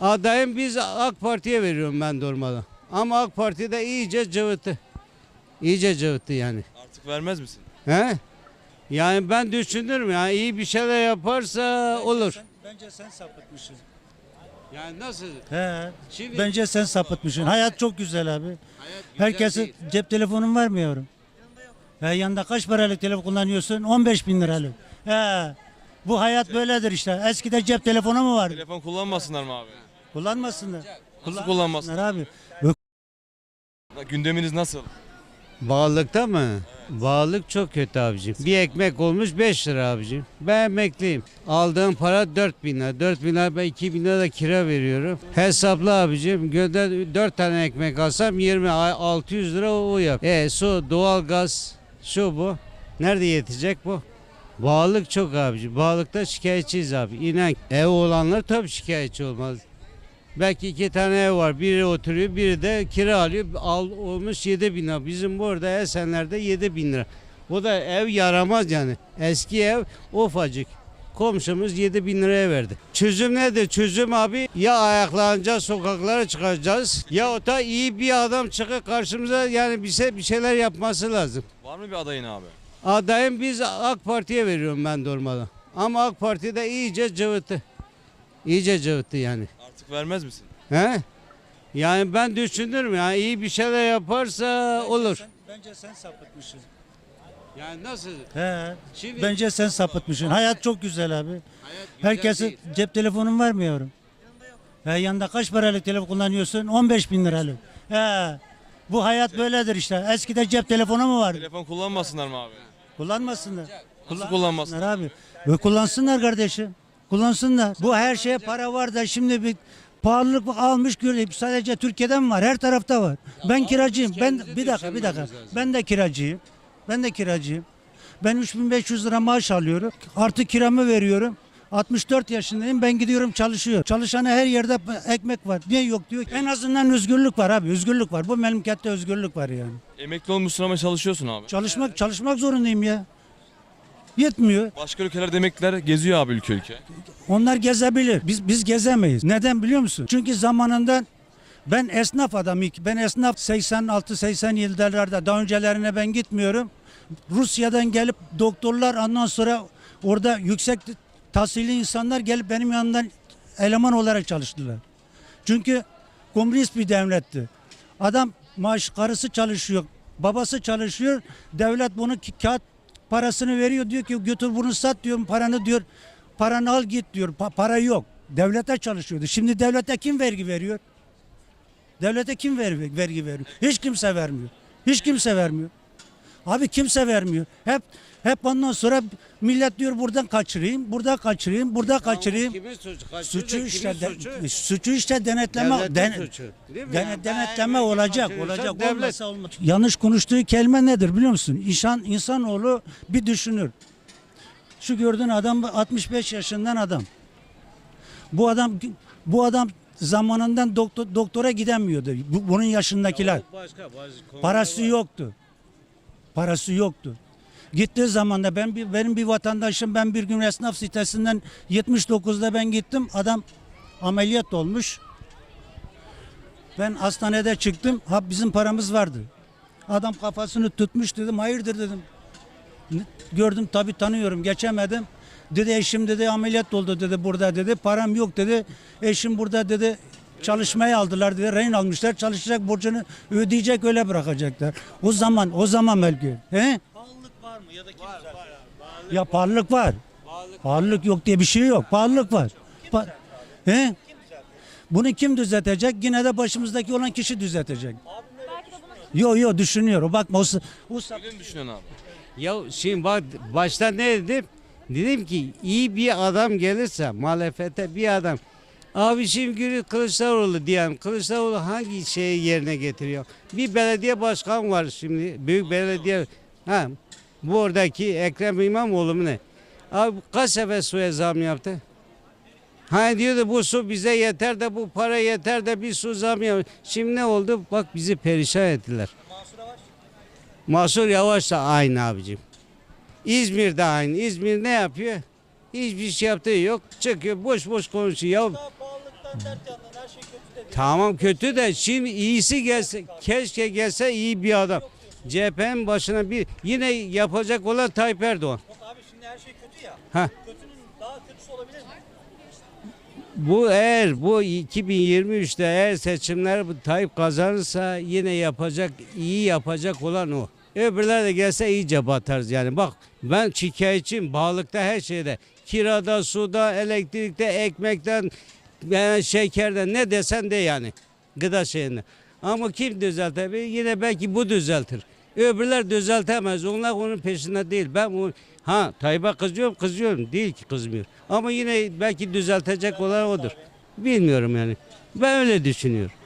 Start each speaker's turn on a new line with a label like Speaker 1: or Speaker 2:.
Speaker 1: Adayım biz AK Parti'ye veriyorum ben durmadan. Ama AK Parti'de iyice cıvıttı. İyice cıvıttı yani.
Speaker 2: Artık vermez misin?
Speaker 1: He? Yani ben düşünürüm yani iyi bir şeyler yaparsa olur.
Speaker 3: Bence sen sapıtmışsın.
Speaker 1: Yani nasıl?
Speaker 3: He.
Speaker 1: Şimdi
Speaker 3: Bence sen sapıtmışsın. Hayat çok güzel abi.
Speaker 1: hayat güzel
Speaker 3: Herkesin
Speaker 1: değil.
Speaker 3: cep telefonun var mı yavrum? He, yanında kaç paralık telefon kullanıyorsun? 15 bin liralık. He. Bu hayat böyledir işte. Eskide cep telefonu mu vardı?
Speaker 2: Telefon kullanmasınlar mı abi?
Speaker 3: Kullanmasınlar.
Speaker 2: Nasıl kullanmasınlar?
Speaker 3: Abi.
Speaker 2: Gündeminiz nasıl?
Speaker 1: Bağlıkta mı? Bağlık çok kötü abicim. Bir ekmek olmuş 5 lira abicim. Ben emekliyim. Aldığım para 4 bin lira. 4 bin lira ben 2 bin lira da kira veriyorum. Hesaplı abicim. Günde 4 tane ekmek alsam 20 600 lira o yap. Su, doğalgaz, şu bu. Nerede yetecek bu? Bağlık çok abicim. Bağlıkta şikayetçiyiz abi. İnan ev olanlar tabii şikayetçi olmaz. Belki 2 tane ev var. Biri oturuyor, biri de kira alıyor. Olmuş 7 bin lira. Bizim burada Esenler'de 7 bin lira. O da ev yaramaz yani. Eski ev ufacık. Komşumuz 7 bin liraya verdi. Çözüm nedir? Çözüm abi ya ayaklanacağız, sokaklara çıkacağız ya o da iyi bir adam çıkıp karşımıza yani bize bir şeyler yapması lazım.
Speaker 2: Var mı bir adayın abi?
Speaker 1: Adayım biz AK Parti'ye veriyorum ben durmadan. Ama AK Parti'de iyice cıvıttı. İyice cıvıttı yani.
Speaker 2: Artık vermez misin?
Speaker 1: He? Yani ben düşünürüm yani iyi bir şeyler yaparsa olur.
Speaker 3: Bence sen sapıtmışsın.
Speaker 1: Yani nasıl?
Speaker 3: He.
Speaker 1: Şimdi
Speaker 3: Bence sen sapıtmışsın. Hayat çok güzel abi. Herkesin cep telefonun var mı yavrum? He, yanında kaç paralık telefon kullanıyorsun? 15 bin liralık. He. Bu hayat böyledir işte. Eskide cep telefonu mu vardı?
Speaker 2: Telefon kullanmasınlar mı abi?
Speaker 3: Kullanmasınlar.
Speaker 2: Nasıl kullanmasınlar?
Speaker 3: Abi. Ve kullansınlar kardeşim. Kullansınlar. Bu her şeye para var da şimdi bir pahalılık almış görüyor. Sadece Türkiye'de mi var? Her tarafta var. Ben kiracıyım. Ben bir dakika. Ben de kiracıyım. Ben de kiracıyım. Ben 3500 lira maaş alıyorum. Artı kiramı veriyorum. 64 yaşındayım. Ben gidiyorum çalışıyorum. Çalışana her yerde ekmek var. Niye yok diyor. En azından özgürlük var abi. Özgürlük var. Bu memlekette özgürlük var yani.
Speaker 2: Emekli olmuşsun ama çalışıyorsun abi.
Speaker 3: Çalışmak zorundayım ya. Yetmiyor.
Speaker 2: Başka ülkelerde emekliler geziyor abi ülke ülke.
Speaker 3: Onlar gezebilir. Biz gezemeyiz. Neden biliyor musun? Çünkü zamanında ben esnaf adamım. Ben esnaf 86-87'lerde daha öncelerine ben gitmiyorum. Rusya'dan gelip doktorlar ondan sonra orada yüksek tahsilli insanlar gelip benim yanımdan eleman olarak çalıştılar. Çünkü komünist bir devletti. Adam karısı çalışıyor, babası çalışıyor. Devlet bunu kağıt parasını veriyor, diyor ki götür bunu sat diyor, paranı diyor. Paranı al git diyor. Para yok. Devlete çalışıyordu. Şimdi devlete kim vergi veriyor? Devlete kim vergi veriyor? Hiç kimse vermiyor. Hiç kimse vermiyor. Abi kimse vermiyor. Hep ondan sonra millet diyor buradan kaçırayım, burada kaçırayım, burada kaçırayım.
Speaker 1: Kimin suçu?
Speaker 3: Suçu işte denetleme
Speaker 1: Devletin suçu, değil mi? Yani
Speaker 3: denetleme
Speaker 1: ben
Speaker 3: olacak
Speaker 1: kaçırıyorsam
Speaker 3: olmasa olmaz. Yanlış konuştuğu kelime nedir biliyor musun? İnsanoğlu bir düşünür. Şu gördüğün adam 65 yaşından adam. Bu adam zamanından doktora gidemiyordu. Bunun yaşındakiler. Parası yoktu. Parası yoktu. Gittiği zaman da benim bir vatandaşım, ben bir gün esnaf sitesinden 79'da ben gittim. Adam ameliyat olmuş. Ben hastanede çıktım. Bizim paramız vardı. Adam kafasını tutmuş, dedim hayırdır dedim. Gördüm tabii tanıyorum, geçemedim. Dedi eşim dedi ameliyat oldu dedi burada dedi. Param yok dedi. Eşim burada dedi. Çalışmaya aldılar dedi. Rehin almışlar. Çalışacak, borcunu ödeyecek, öyle bırakacaklar. O zaman belki. He?
Speaker 4: Pahalılık var mı ya da kim
Speaker 3: Ya pahalılık var. Pahalılık yok diye bir şey yok. Pahalılık var. He? Bunu kim düzeltecek? Yine de başımızdaki olan kişi düzeltecek. Yo düşünüyor. O bakma
Speaker 2: Öyle mi düşünüyorsun abi?
Speaker 1: Ya şimdi bak başta ne dedim? Dedim ki iyi bir adam gelirse muhalefete bir adam. Abi şimdi Kılıçdaroğlu diyelim. Kılıçdaroğlu hangi şeyi yerine getiriyor? Bir belediye başkan var şimdi. Büyük belediye. Bu oradaki Ekrem İmamoğlu mu ne? Abi kaç sefer suya zam yaptı? Hani diyordu bu su bize yeter de bu para yeter de bir su zam yaptı. Şimdi ne oldu? Bak bizi perişan ettiler. Mansur Yavaş da aynı abicim. İzmir'de aynı. İzmir ne yapıyor? Hiçbir şey yaptığı yok. Çıkıyor boş boş konuşuyor. Ya Tamam kötü de şimdi iyisi gelse, keşke gelse iyi bir adam. CHP'nin başına bir yine yapacak olan Tayyip Erdoğan.
Speaker 4: Abi şimdi her şey kötü ya.
Speaker 1: Ha.
Speaker 4: Kötünün daha kötüsü olabilir mi?
Speaker 1: Bu 2023'te eğer seçimler bu Tayyip kazanırsa yine iyi yapacak olan o. Öbürler de gelse iyice batarız yani. Bak ben şikayetçiyim bağlıkta her şeyde. Kirada, suda, elektrikte, ekmekten, şekerden ne desen de yani. Gıda şeyinde. Ama kim düzeltebilir? Yine belki bu düzeltir. Öbürler düzeltemez. Onlar onun peşinde değil. Tayyip'e kızıyorum. Değil ki kızmıyor. Ama yine belki düzeltecek olan odur. Bilmiyorum yani. Ben öyle düşünüyorum.